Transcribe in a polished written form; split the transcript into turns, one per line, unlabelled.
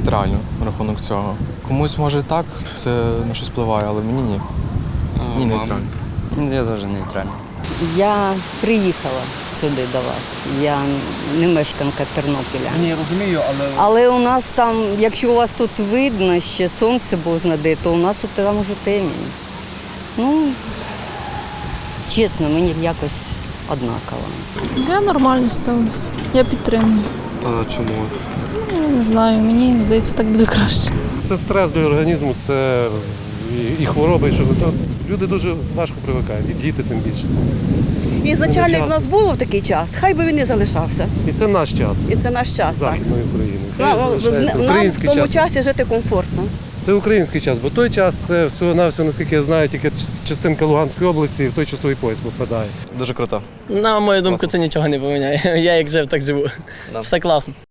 нейтрально на рахунок цього. Комусь може так, це на щось впливає, але мені ні. Ні, нейтрально.
Я теж нейтрально.
Я приїхала сюди до вас. Я не мешканка Тернополя.
Ні, розумію, але
Але у нас там, якщо у вас тут видно, ще сонце бозна де, то у нас от там уже темінь. Ну, чесно, мені якось однаково.
Я нормально ставлюся. Я підтримую.
А чому?
Не знаю, мені здається, так буде краще.
Це стрес для організму, це і хвороби, і що то люди дуже важко привикають, і діти тим більше.
І ізначально, як в нас було в такий час, хай би він не залишався.
І це наш час.
І це наш час, так.
Західної України.
Нам,
Хай залишається
нам в
український
тому
час.
часі жити комфортно.
Це український час, бо той час це всього-навсього, наскільки я знаю, тільки частинка Луганської області в той часовий пояс попадає.
Дуже круто.
На мою думку, це нічого не поміняє. Я як жив, так живу. Все класно.